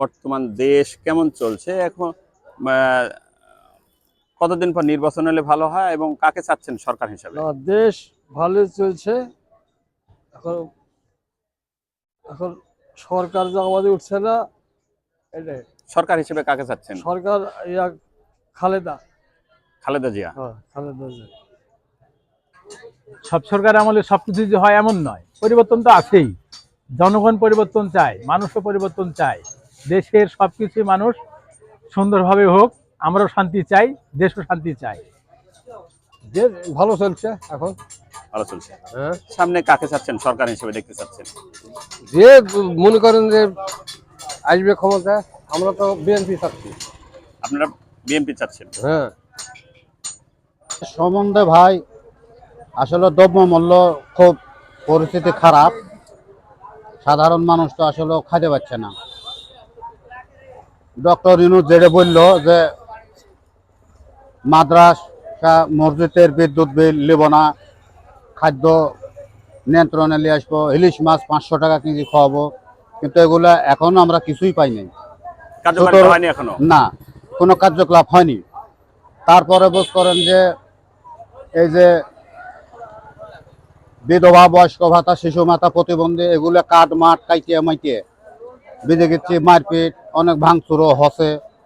বর্তমান দেশ কেমন চলছে এখন? আহ, কতদিন পর নির্বাচন হলে ভালো হয় এবং কাকে চাচ্ছেন সরকার হিসেবে? দেশ ভালোই চলছে। এখন এখন সরকার যে আমাদের উঠছে না, এটাই। সরকার হিসেবে কাকে চাচ্ছেন? সরকার ইয়া খালেদা। খালেদা জিয়া। হ্যাঁ, খালেদা জিয়া। সব সরকার আমলে সবকিছু যে হয় এমন নয়, পরিবর্তন তো আছেই। জনগণ পরিবর্তন চায়, মানুষও পরিবর্তন চায়। দেশের সবকিছু মানুষ সুন্দরভাবে হোক, আমরাও শান্তি চাই, দেশও শান্তি চাই। দেশ ভালো চলছে এখন। ভালো চলছে। হ্যাঁ, সামনে কাকে চাচ্ছেন সরকার হিসেবে দেখতে চাচ্ছেন? যে মনে করেন যে আসবে ক্ষমতা, আমরা তো বিএনপি চাচ্ছি। আপনারা বিএনপি চাচ্ছেন? হ্যাঁ, সম্বন্ধে ভাই আসলে দ্রব্যমূল্য খুব পরিস্থিতি খারাপ। সাধারণ মানুষ তো আসলে খাইতে পারছে না। ডক্টর ইউনূস যেটা বলল যে মাদ্রাসা মসজিদের বিদ্যুৎ বিল নেব না, খাদ্য নিয়ন্ত্রণে নিয়ে আসবো, ইলিশ মাছ 500 টাকা কেজি খাওয়াবো, কিন্তু এগুলা এখনো আমরা কিছুই পাই নাই। কার্যকর হয়নি এখনো? না, কোনো কার্যকলাপ হয়নি। তারপরে বোধ করেন যে এই যে বিধবা, বয়স্ক ভাতা, শিশু ভাতা, প্রতিবন্ধী, এগুলো কাঠ মাঠ কাইটিয়ে মাইটিয়ে বেঁধে গেছি, মারপিট, অনেক ভাঙচুরও হচ্ছে।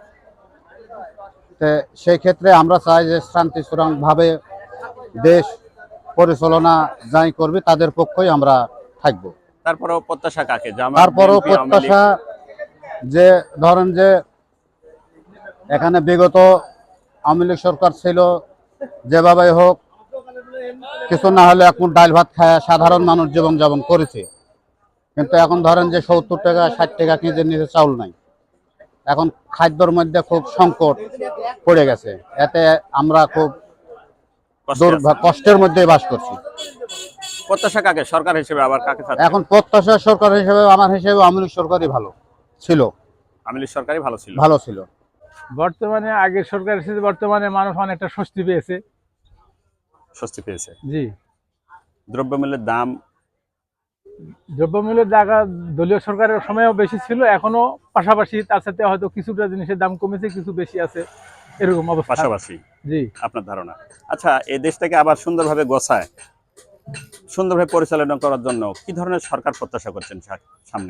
সেই ক্ষেত্রে আমরা চাই যে শান্তিশৃঙ্খলভাবে দেশ পরিচালনা যাই করবে তাদের পক্ষই আমরা থাকব। তারপরেও প্রত্যাশা কাকে? জামাত, তারপরেও বিএনপি, আওয়ামী লীগ? প্রত্যাশা যে ধরেন যে এখানে বিগত আওয়ামী লীগ সরকার ছিল, যেভাবে হোক কিছু না হলে এখন ডাল ভাত খায় সাধারণ মানুষ জীবনযাপন করেছে। কিন্তু এখন ধরেন যে 70 টাকা 60 টাকা কেজির নিচে চাউল নাই। এখন খাদ্যর মধ্যে খুব সংকট পড়ে গেছে। এতে আমরা খুব কষ্টে আছেন। কষ্টের মধ্যে বাস করছি। প্রত্যাশা কাকে সরকার হিসেবে, আবার কাকে চাচ্ছেন? এখন প্রত্যাশা সরকার হিসেবে আমার হিসেবে আওয়ামী লীগ সরকারই ভালো ছিল। আওয়ামী লীগ সরকারই ভালো ছিল। ভালো ছিল। বর্তমানে আগের সরকার এসেছে, বর্তমানে মানুষ অনেকটা স্বস্তি পেয়েছে। স্বস্তি পেয়েছে। জি, দ্রব্যমূল্যের দাম, দ্রব্যমূল্যের জায়গা দলীয় সরকারের সময়ও বেশি ছিল, এখনো পাশাপাশি। তার সাথে হয়তো কিছুটা জিনিসের দাম কমেছে, কিছু বেশি আছে, এরকম অবস্থা। পাশাপাশি জি, আপনার ধারণা? আচ্ছা, এই দেশটাকে আবার সুন্দরভাবে গোছায়, সুন্দরভাবে পরিচালনা করার জন্য কি ধরনের সরকার প্রত্যাশা করছেন সামনে?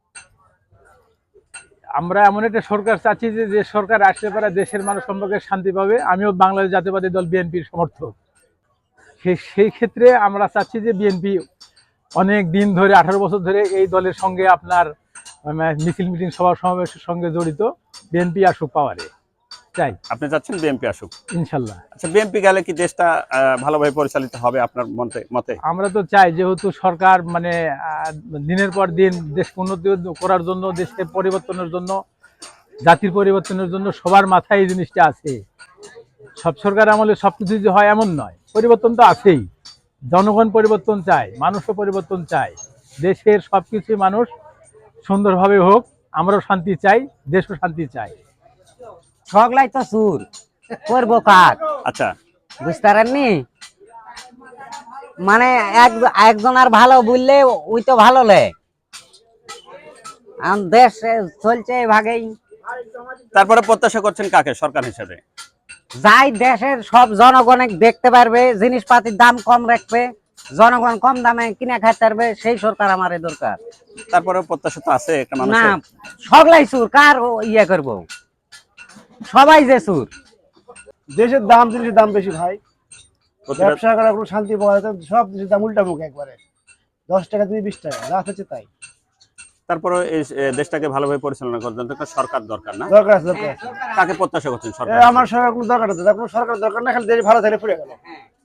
আমরা এমন একটা সরকার চাচ্ছি যে সরকার আসলে পারে দেশের মানুষ সম্পর্কে শান্তি পাবে। আমিও বাংলাদেশ জাতীয়বাদী দল বিএনপির সমর্থক। সেই ক্ষেত্রে আমরা চাচ্ছি যে বিএনপি অনেক দিন ধরে, 18 বছর ধরে এই দলের সঙ্গে আপনার মিছিল মিটিং সভা সমাবেশের সঙ্গে জড়িত। বিএনপি আসুক পাওয়ারে চাই, আপনি চাচ্ছেন বিএনপি আসুক? ইনশাল্লাহ। আচ্ছা, বিএনপি গেলে কি দেশটা ভালোভাবে পরিচালিত হবে আপনার মতে? আমরা তো চাই, যেহেতু সরকার মানে দিনের পর দিন দেশকে উন্নতি করার জন্য, দেশকে পরিবর্তনের জন্য, জাতির পরিবর্তনের জন্য সবার মাথায় এই জিনিসটা আছে। সব সরকার আমলে সবকিছু যে হয় এমন নয়, পরিবর্তন তো আছেই। জনগণ পরিবর্তন চায়, মানুষও পরিবর্তন চায়। দেশের সবকিছু মানুষ সুন্দরভাবে হোক, আমরাও শান্তি চাই, দেশও শান্তি চাই। সগলাই তো সুর করবো কাজ। আচ্ছা, বুঝতে পারেননি? মানে একজন আর ভালো বললে ওই তো ভালো লে। দেশ চলছে এভাবেই। তারপরে প্রত্যাশা করছেন কাকে সরকার হিসেবে? যাই দেশের সব জনগণ দেখতে পারবে, জিনিসপাতির দাম কম রাখবে, জনগণ কম দামে কিনে খাইতে পারবে, সেই সরকার আমার দরকার। তারপরে প্রত্যাশা তো আছে একটা না, মানুষের। সগলাই সুর কার ইয়ে করবো, সবাই যে সুর। দেশের দাম, জিনিসের দাম বেশি ভাই। ব্যবসা করার কোনো শান্তি পাওয়া যায় না, সব জিনিসের দাম উল্টা মুখ একবারে। 10 টাকা দিয়ে 20 টাকা, যা হচ্ছে তাই। তারপরে এই দেশটাকে ভালোভাবে পরিচালনা করার জন্য একটা সরকার দরকার, না? দরকার আছে, দরকার আছে। কাকে প্রত্যাশা করছেন সরকার? আমার সরকার কোনো দরকার আছে, কোনো সরকার দরকার না, খালি দেশ ভালো থাকলে পুড়ে গেল।